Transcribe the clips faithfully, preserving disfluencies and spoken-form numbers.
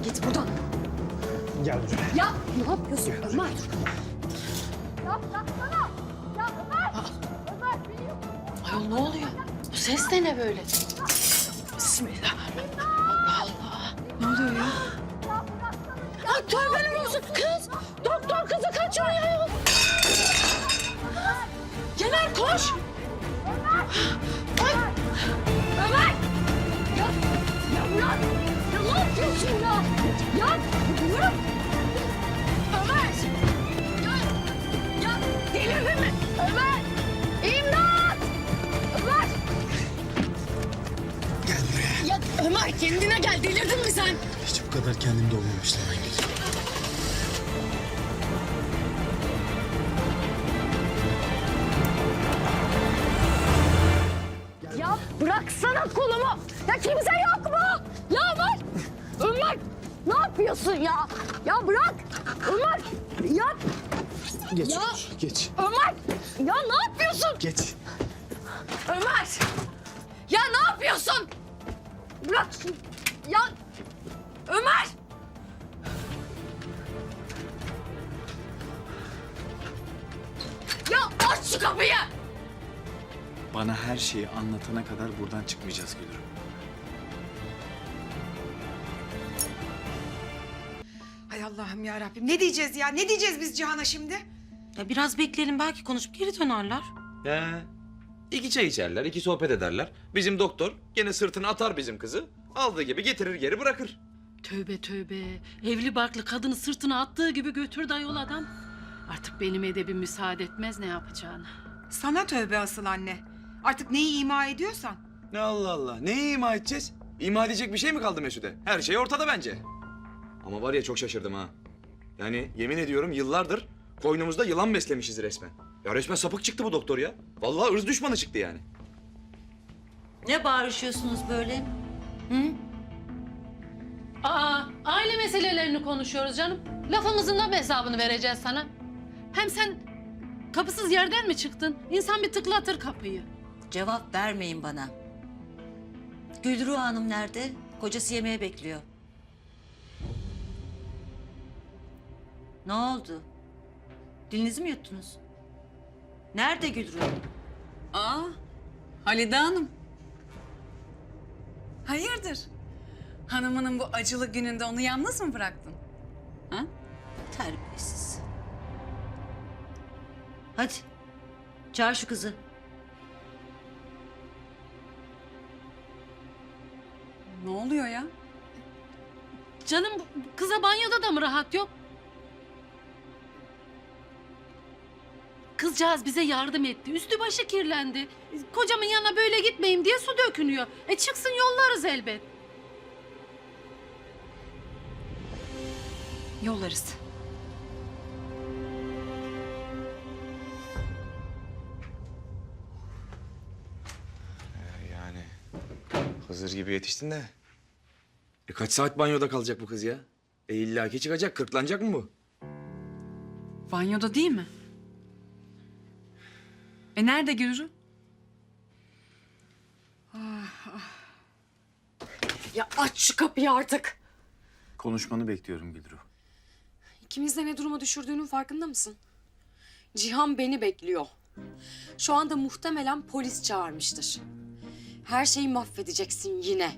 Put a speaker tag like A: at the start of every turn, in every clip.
A: Git buradan.
B: Gel buraya.
A: Ya ne yapıyorsun Ömer?
C: Ya bıraksana. Ya Ömer. Ömer beni
D: Ayol ne oluyor? Bu ses de ne böyle? Bismillah. Allah Allah. Ne oluyor ya? Ay tövbeler olsun kız. Doktor kızı kaçırıyor ayol. Yener koş.
C: Ömer. Ya, ya Murat. Ya ne yapıyorsun ya? Ya Murat. Ömer. Ya, ya delirdin mi? Ömer. İmdat. Ömer.
B: Gel buraya.
A: Ya Ömer kendine gel, delirdin mi sen?
B: Hiç bu kadar kendimde olmamıştım ben Gülru.
C: Ya bıraksana kolumu. Ya kimse yok mu? Ya Ömer. Ömer. Ne yapıyorsun ya? Ya bırak. Ömer. Ya.
B: Geç
C: Ya.
B: Gülru, geç.
C: Ömer. Ya ne yapıyorsun?
B: Geç.
C: Ömer. Ya ne yapıyorsun? Bırak. şunu. Ya. Ömer. Ya aç şu kapıyı.
B: Bana her şeyi anlatana kadar buradan çıkmayacağız Gülru.
E: Hay Allah'ım ya Rabbim. Ne diyeceğiz ya? Ne diyeceğiz biz Cihan'a şimdi?
D: Ya biraz bekleyelim belki konuşup geri dönerler.
F: He. İki çay içerler, iki sohbet ederler. Bizim doktor gene sırtına atar bizim kızı. Aldığı gibi getirir geri bırakır.
D: Tövbe tövbe. Evli barklı kadını sırtına attığı gibi götürdü ayol adam. Artık benim edebim müsaade etmez ne yapacağını.
E: Sana tövbe asıl anne. Artık neyi ima ediyorsan.
F: Ne Allah Allah. Neyi ima edeceğiz? İma edecek bir şey mi kaldı Mesude? Her şey ortada bence. Ama var ya çok şaşırdım ha. Yani yemin ediyorum yıllardır koynumuzda yılan beslemişiz resmen. Ya resmen sapık çıktı bu doktor ya. Vallahi ırz düşmanı çıktı yani.
G: Ne bağırışıyorsunuz böyle? Hı?
D: Aa, aile meselelerini konuşuyoruz canım. Lafımızın da mı hesabını vereceğiz sana? Hem sen kapısız yerden mi çıktın? İnsan bir tıklatır kapıyı.
G: Cevap vermeyin bana. Gülru Hanım nerede? Kocası yemeğe bekliyor. Ne oldu? Dilinizi mi yuttunuz? Nerede Gülru?
H: Aa, Halide Hanım. Hayırdır? Hanımının bu acılı gününde onu yalnız mı bıraktın? Ha?
G: Terbiyesiz. Hadi. Çağır şu kızı.
H: Ne oluyor ya?
D: Canım kıza banyoda da mı rahat yok? Kızcağız bize yardım etti. Üstü başı kirlendi. Kocamın yanına böyle gitmeyeyim diye su dökünüyor. E çıksın yollarız elbet.
H: Yollarız.
F: Yani Hızır gibi yetiştin de. E kaç saat banyoda kalacak bu kız ya? E illaki çıkacak, kırklanacak mı bu?
H: Banyoda değil mi? E nerede Gülru?
A: Ya aç şu kapıyı artık.
B: Konuşmanı bekliyorum Gülru.
A: İkimiz de ne duruma düşürdüğünün farkında mısın? Cihan beni bekliyor. Şu anda muhtemelen polis çağırmıştır. Her şeyi mahvedeceksin yine.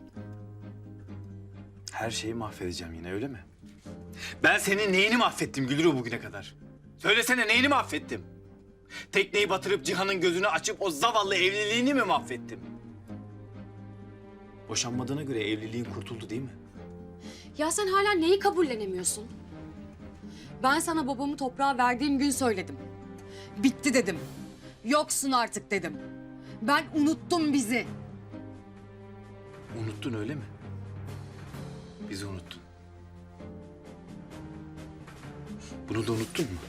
B: Her şeyi mahvedeceğim yine öyle mi? Ben senin neyini mahvettim Gülru bugüne kadar? Söylesene neyini mahvettim? Tekneyi batırıp Cihan'ın gözünü açıp o zavallı evliliğini mi mahvettim? Boşanmadığına göre evliliğin kurtuldu değil mi?
A: Ya sen hala neyi kabullenemiyorsun? Ben sana babamı toprağa verdiğim gün söyledim. Bitti dedim. Yoksun artık dedim. Ben unuttum bizi.
B: Unuttun öyle mi? Bizi unuttun. Bunu da unuttun mu?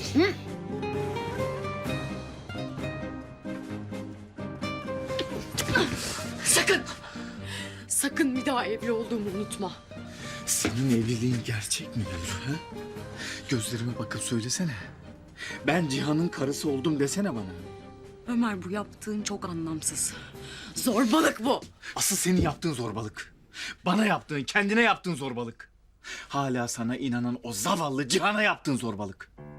A: Sakın! Sakın bir daha evli olduğumu unutma.
B: Senin evliliğin gerçek mi Gülru? Ha? Gözlerime bakıp söylesene. Ben Cihan'ın karısı oldum desene bana.
A: Ömer bu yaptığın çok anlamsız. Zorbalık bu.
B: Asıl senin yaptığın zorbalık. Bana yaptığın, kendine yaptığın zorbalık. Hala sana inanan o zavallı Cihan'a yaptığın zorbalık.